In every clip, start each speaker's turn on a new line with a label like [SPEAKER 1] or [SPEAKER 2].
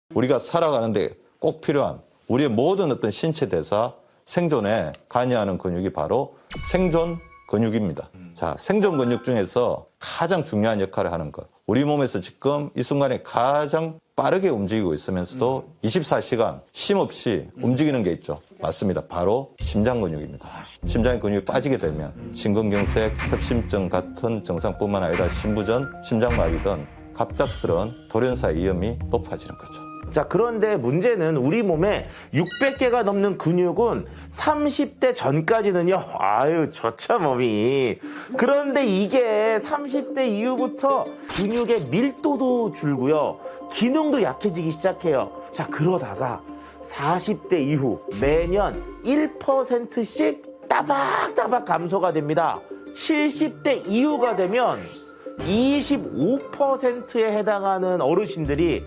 [SPEAKER 1] 우리가 살아가는데 꼭 필요한 우리의 모든 어떤 신체 대사, 생존에 관여하는 근육이 바로 생존 근육입니다. 자, 생존 근육 중에서 가장 중요한 역할을 하는 것. 우리 몸에서 지금 이 순간에 가장 빠르게 움직이고 있으면서도 24시간 쉼 없이 움직이는 게 있죠. 맞습니다. 바로 심장 근육입니다. 심장의 근육이 빠지게 되면 심근경색, 협심증 같은 증상뿐만 아니라 심부전, 심장마비 등 갑작스러운 돌연사의 위험이 높아지는 거죠.
[SPEAKER 2] 자, 그런데 문제는 우리 몸에 600개가 넘는 근육은 30대 전까지는요, 아유, 좋죠, 몸이. 그런데 이게 30대 이후부터 근육의 밀도도 줄고요, 기능도 약해지기 시작해요. 자, 그러다가 40대 이후 매년 1%씩 따박따박 감소가 됩니다. 70대 이후가 되면 25%에 해당하는 어르신들이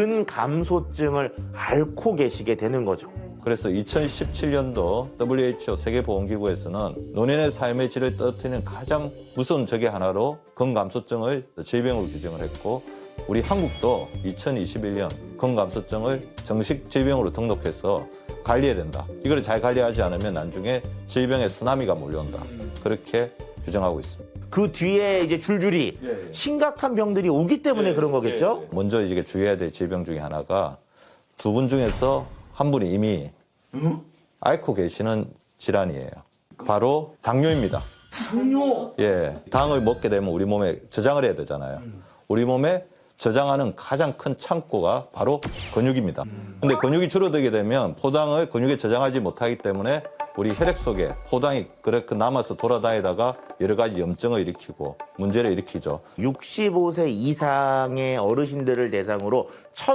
[SPEAKER 2] 근감소증을 앓고 계시게 되는 거죠.
[SPEAKER 1] 그래서 2017년도 WHO 세계보건기구에서는 노년의 삶의 질을 떨어뜨리는 가장 무서운 적의 하나로 근감소증을 질병으로 규정을 했고, 우리 한국도 2021년 근감소증을 정식 질병으로 등록해서 관리해야 된다. 이걸 잘 관리하지 않으면 나중에 질병의 쓰나미가 몰려온다. 그렇게 규정하고 있습니다.
[SPEAKER 2] 그 뒤에 이제 줄줄이 심각한 병들이 오기 때문에 그런 거겠죠?
[SPEAKER 1] 먼저 이제 주의해야 될 질병 중에 하나가 두 분 중에서 한 분이 이미 앓고 계시는 질환이에요. 바로 당뇨입니다.
[SPEAKER 2] 당뇨?
[SPEAKER 1] 예, 당을 먹게 되면 우리 몸에 저장을 해야 되잖아요. 우리 몸에 저장하는 가장 큰 창고가 바로 근육입니다. 근데 근육이 줄어들게 되면 포당을 근육에 저장하지 못하기 때문에 우리 혈액 속에 포당이 그렇게 남아서 돌아다니다가 여러 가지 염증을 일으키고 문제를 일으키죠.
[SPEAKER 2] 65세 이상의 어르신들을 대상으로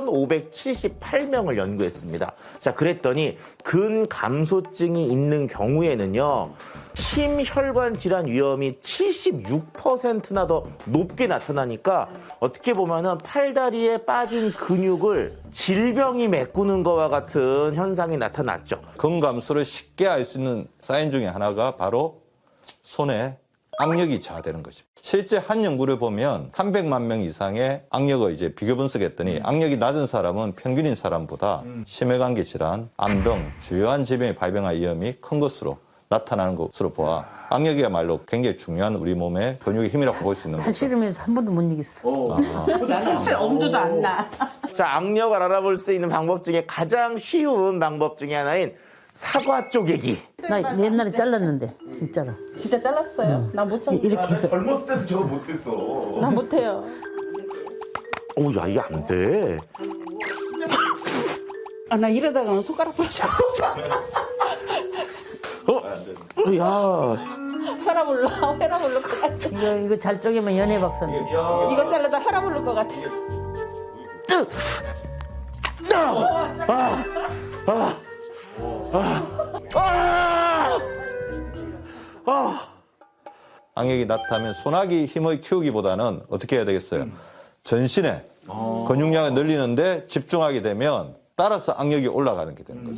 [SPEAKER 2] 1,578명을 연구했습니다. 자, 그랬더니 근감소증이 있는 경우에는요, 심혈관 질환 위험이 76%나 더 높게 나타나니까 어떻게 보면은 팔다리에 빠진 근육을 질병이 메꾸는 것과 같은 현상이 나타났죠.
[SPEAKER 1] 근감소를 쉽게 알 수 있는 사인 중에 하나가 바로 손에 악력이 저하되는 것입니다. 실제 한 연구를 보면 300만 명 이상의 악력을 이제 비교 분석했더니 악력이 낮은 사람은 평균인 사람보다 심혈관계 질환, 암 등 주요한 질병이 발병할 위험이 큰 것으로 나타나는 것으로 보아 악력이야말로 굉장히 중요한 우리 몸의 근육의 힘이라고 볼 수 있는 거죠.
[SPEAKER 3] 팔씨름에서 한 번도 못 이겼어.
[SPEAKER 4] 나는 사실 엄두도 안 나.
[SPEAKER 2] 자, 악력을 알아볼 수 있는 방법 중에 가장 쉬운 방법 중에 하나인 사과 쪼개기.
[SPEAKER 3] 나 옛날에 잘랐는데 진짜로.
[SPEAKER 4] 진짜 잘랐어요? 나 못 참고.
[SPEAKER 3] 이렇게 해서
[SPEAKER 5] 젊었을 때도 저거 못했어.
[SPEAKER 4] 나 못해요.
[SPEAKER 2] 오, 야, 이게 안 돼.
[SPEAKER 4] 아, 나 이러다가는 손가락 부러져.
[SPEAKER 2] 야,
[SPEAKER 4] 혈압 올릴 것 같아.
[SPEAKER 3] 이거 잘 쪼개면 연애 박사님.
[SPEAKER 4] 이거 잘라다 혈압 오를 것 같아.
[SPEAKER 1] 악력이 나타나면 소나기 힘을 키우기보다는 어떻게 해야 되겠어요? 전신에 근육량을 늘리는데 집중하게 되면 따라서 악력이 올라가는 게 되는 거죠.